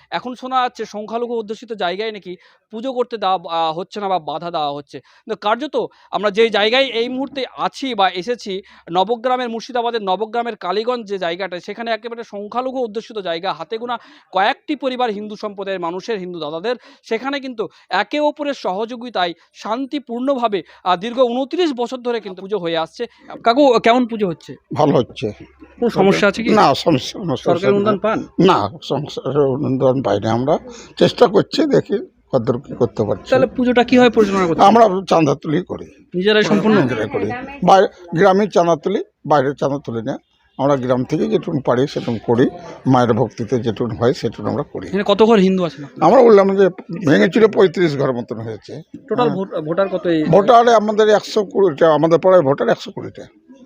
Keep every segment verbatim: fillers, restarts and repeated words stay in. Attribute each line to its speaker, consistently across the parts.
Speaker 1: এখন শোনা যাচ্ছে সংখ্যালঘু অধ্যুষিত জায়গায় নাকি পুজো করতে দেওয়া আ হচ্ছে না বা বাধা দেওয়া হচ্ছে। কিন্তু কার্যত আমরা যেই জায়গায় এই মুহূর্তে আছি বা এসেছি, নবগ্রামের মুর্শিদাবাদের নবগ্রামের কালীগঞ্জ যে জায়গাটা, সেখানে একেবারে সংখ্যালঘু অধ্যুষিত জায়গা, হাতে গোনা কয়েকটি পরিবার হিন্দু সম্প্রদায়ের মানুষের, হিন্দু দাদাদের, সেখানে কিন্তু একে অপরের সহযোগিতায় শান্তিপূর্ণভাবে আ দীর্ঘ ঊনত্রিশ বছর ধরে কিন্তু পুজো হয়ে আসছে। কাকু, কেমন পুজো হচ্ছে?
Speaker 2: ভালো হচ্ছে।
Speaker 1: কোনো সমস্যা আছে কি?
Speaker 2: না, সমস্যা সমস্যা
Speaker 1: সরকারি অনুদান
Speaker 2: না।
Speaker 1: পান?
Speaker 2: না, সংসারের অনুদান পাই না। আমরা চেষ্টা করছি, দেখি কতদূর কি করতে পারছি।
Speaker 1: তাহলে পুজোটা কিভাবে পরিচালনা করছেন?
Speaker 2: আমরা চাঁদা তুলি করি,
Speaker 1: নিজেরাই সম্পূর্ণ?
Speaker 2: নিজেরাই করি। বাইরে গ্রামে চাঁদা তুলি, বাইরে চাঁদা তুলি না। আমরা গ্রাম থেকে যেটুকু পারি সেটুকু করি, মায়ের ভক্তিতে যেটুকু হয় সেটুকু আমরা করি।
Speaker 1: এখানে কত ঘর হিন্দু আছেন?
Speaker 2: আমরা বললাম যে ভেঙেছিল পঁয়ত্রিশ ঘর মতন হয়েছে।
Speaker 1: টোটাল ভোটার কত? এই
Speaker 2: ভোটারে আমাদের একশো কুড়িটা, আমাদের পাড়ায় ভোটার একশো কুড়িটা।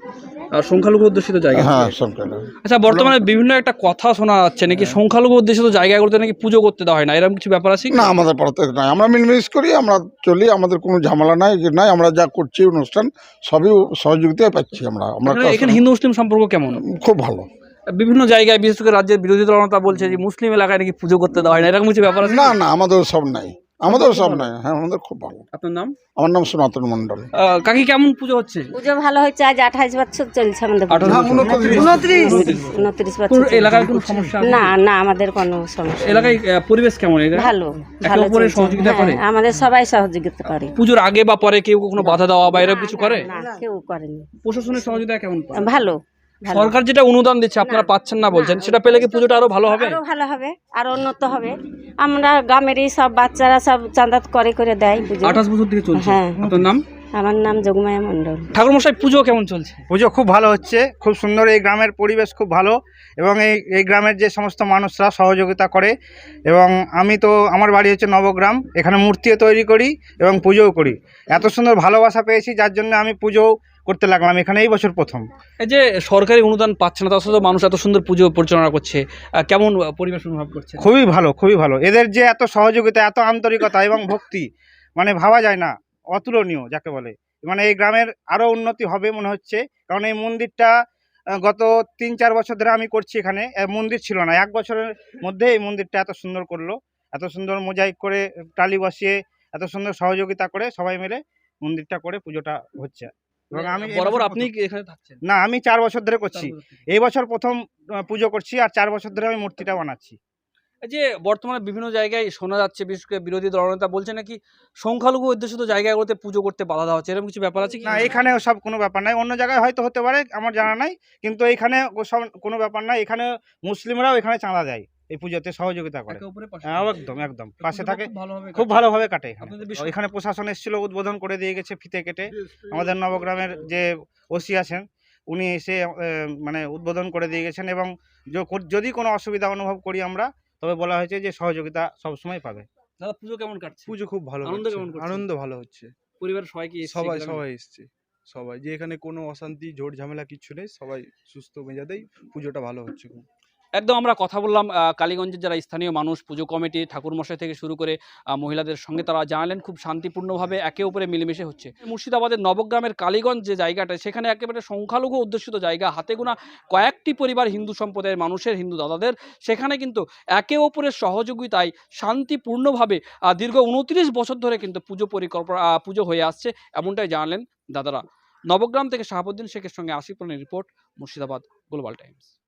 Speaker 1: আর সংখ্যালঘু অধ্যুষিত জায়গা?
Speaker 2: হ্যাঁ, সংখ্যা।
Speaker 1: আচ্ছা, বর্তমানে বিভিন্ন একটা কথা শোনা যাচ্ছে নাকি সংখ্যালঘু অধ্যুষিত জায়গাগুলোতে নাকি পুজো করতে দেওয়া হয় না, এরকম কিছু ব্যাপার আছে?
Speaker 2: না, আমাদের পাড়াতে নাই। আমরা মিলমিশ করি, আমরা চলি, আমাদের কোনো ঝামেলা নাই কি নাই। আমরা যা করছি অনুষ্ঠান সবই সহযোগিতায় পাচ্ছি। আমরা আমরা
Speaker 1: এখানে হিন্দু মুসলিম সম্পর্ক কেমন?
Speaker 2: খুব ভালো।
Speaker 1: বিভিন্ন জায়গায় বিশেষ করে রাজ্যের বিরোধী দলনেতা বলছে যে মুসলিম এলাকায় নাকি পুজো করতে দেওয়া হয় না, এরকম কিছু ব্যাপার আছে?
Speaker 2: না না, আমাদের সব নাই, আমাদের সব নাই। হ্যাঁ, আমাদের খুব ভালো।
Speaker 1: আপনার নাম?
Speaker 2: আমার নাম সনাতন মন্ডল।
Speaker 1: আহ, কাকি, কেমন পুজো হচ্ছে?
Speaker 3: পুজো ভালো হচ্ছে। আজ আঠাইশ বছর চলছে আমাদের পুজো।
Speaker 1: আঠাশ বছর?
Speaker 3: উনত্রিশ উনত্রিশ বছর
Speaker 1: কোনো
Speaker 3: চলছে।
Speaker 1: এলাকায় কোনো সমস্যা আছে?
Speaker 3: না না, আমাদের কোনো সমস্যা নেই।
Speaker 1: এলাকায় আহ, পরিবেশ কেমন? এলাকায়
Speaker 3: ভালো
Speaker 1: একে
Speaker 3: ভালো
Speaker 1: অপরের
Speaker 3: চলছে।
Speaker 1: সহযোগিতা
Speaker 3: হ্যাঁ,
Speaker 1: করে?
Speaker 3: আমাদের সবাই সহযোগিতা করে।
Speaker 1: পুজোর আগে বা পরে কেউ কোনো বাধা দেওয়া বা এরকম কিছু করে?
Speaker 3: না, কেউ করেনি।
Speaker 1: প্রশাসনের সহযোগিতা কেমন পান?
Speaker 3: ভালো ভালো।
Speaker 1: সরকার যেটা অনুদান দিচ্ছে আপনারা পাচ্ছেন না বলছেন, সেটা পেলে কি পুজোটা আরো ভালো হবে?
Speaker 3: আরো ভালো হবে, আরো উন্নত হবে। আমরা গ্রামেরই সব বাচ্চারা সব চাঁদা করে করে দেয় পুজো।
Speaker 1: আঠাশ বছর থেকে চলছে।
Speaker 3: হ্যাঁ।
Speaker 1: আপনার নাম?
Speaker 3: আমার নাম যোগমায়া মণ্ডল।
Speaker 1: ঠাকুরমশাই, পুজো কেমন চলছে?
Speaker 4: পুজো খুব ভালো হচ্ছে, খুব সুন্দর। এই গ্রামের পরিবেশ খুব ভালো এবং এই এই গ্রামের যে সমস্ত মানুষরা সহযোগিতা করে। এবং আমি তো, আমার বাড়ি হচ্ছে নবগ্রাম, এখানে মূর্তিও তৈরি করি এবং পুজোও করি। এত সুন্দর ভালোবাসা পেয়েছি, যার জন্য আমি পুজো করতে লাগলাম এখানে এই বছর প্রথম।
Speaker 1: এই যে সরকারি অনুদান পাচ্ছে না, তার সাথে মানুষ এত সুন্দর পুজো পরিচালনা করছে, আহ, কেমন পরিবেশ অনুভব করছে?
Speaker 4: খুবই ভালো, খুবই ভালো। এদের যে এত সহযোগিতা, এত আন্তরিকতা এবং ভক্তি, মানে ভাবা যায় না, অতুলনীয় যাকে বলে। মানে এই গ্রামের আরও উন্নতি হবে মনে হচ্ছে, কারণ এই মন্দিরটা আহ, গত তিন চার বছর ধরে আমি করছি এখানে। আহ, মন্দির ছিল না, এক বছরের মধ্যে এই মন্দিরটা এত সুন্দর করলো, এত সুন্দর মোজাইক করে, টালি বসিয়ে, এত সুন্দর সহযোগিতা করে সবাই মিলে মন্দিরটা করে পুজোটা হচ্ছে। এবং আমি এই
Speaker 1: বরাবর
Speaker 4: বছর
Speaker 1: আপনি
Speaker 4: প্রথম-
Speaker 1: এখানে থাকছেন?
Speaker 4: না, আমি চার বছর ধরে করছি।
Speaker 1: চার বছর থেকে।
Speaker 4: এই বছর প্রথম আহ, পুজো করছি, আর চার বছর ধরে আমি মূর্তিটা বানাচ্ছি।
Speaker 1: এই যে বর্তমানে বিভিন্ন জায়গায় শোনা যাচ্ছে, বিশেষ করে বিরোধী দলনেতা বলছে নাকি সংখ্যালঘু অধ্যুষিত জায়গাগুলোতে পুজো করতে বাধা দেওয়া হচ্ছে, এরকম কিছু ব্যাপার আছে কি?
Speaker 4: না, এখানে সব কোনো ব্যাপার নাই। অন্য জায়গায় হয়তো হতে পারে, আমার জানা নাই, কিন্তু এখানে সব কোনো ব্যাপার নাই। এখানে মুসলিমরাও এখানে চাঁদা দেয়, এই পুজোতে সহযোগিতা করে।
Speaker 1: একে অপরের পাশে?
Speaker 4: হ্যাঁ, একদম একদম পাশে
Speaker 1: পুজোটা
Speaker 4: থাকে,
Speaker 1: খুব ভালোভাবে
Speaker 4: খুব
Speaker 1: কাটে।
Speaker 4: ভালোভাবে কাটে এখানে।
Speaker 1: আপনাদের বিশ্ব-
Speaker 4: এখানে প্রশাসন এসেছিল, উদ্বোধন করে দিয়ে গেছে ফিতে কেটে। আমাদের নবগ্রামের যে ওসি আছেন, উনি এসে আহ, মানে উদ্বোধন করে দিয়ে গেছেন। এবং য- যদি কোনো অসুবিধা অনুভব করি আমরা, তবে বলা হয়েছে যে সহযোগিতা সবসময় পাবে।
Speaker 1: দাদা, পুজো কেমন কাটছে?
Speaker 5: পুজো খুব ভালো
Speaker 1: আনন্দ
Speaker 5: হচ্ছে।
Speaker 1: কেমন করছেন?
Speaker 5: আনন্দ ভালো হচ্ছে।
Speaker 1: পরিবারের সবাই কি এসছে
Speaker 5: সবাই
Speaker 1: গ্রামে?
Speaker 5: সবাই এসছে, সবাই, যে এখানে কোনো অশান্তি ঝোট ঝামেলা কিচ্ছু নেই, সবাই সুস্থ মেজাজেই পুজোটা ভালো হচ্ছে খুব।
Speaker 1: একদম আমরা কথা বললাম আহ, কালীগঞ্জের যারা স্থানীয় মানুষ, পুজো কমিটি, ঠাকুরমশাই থেকে শুরু করে আহ, মহিলাদের সঙ্গে, তারা জানালেন খুব শান্তিপূর্ণভাবে একে অপরে মিলেমিশে হচ্ছে। মুর্শিদাবাদের নবগ্রামের কালীগঞ্জ যে জায়গাটা, সেখানে একেবারে সংখ্যালঘু অধ্যুষিত জায়গা, হাতে গোনা কয়েকটি পরিবার হিন্দু সম্প্রদায়ের মানুষের, হিন্দু দাদাদের, সেখানে কিন্তু একে অপরের সহযোগিতায় শান্তিপূর্ণভাবে আহ, দীর্ঘ ঊনত্রিশ বছর ধরে কিন্তু পুজো পরিকল্পনা আহ, পুজো হয়ে আসছে, এমনটাই জানালেন দাদারা। নবগ্রাম থেকে শাহাবুদ্দিন শেখের সঙ্গে আসিফ রানের রিপোর্ট, মুর্শিদাবাদ গ্লোবাল টাইমস।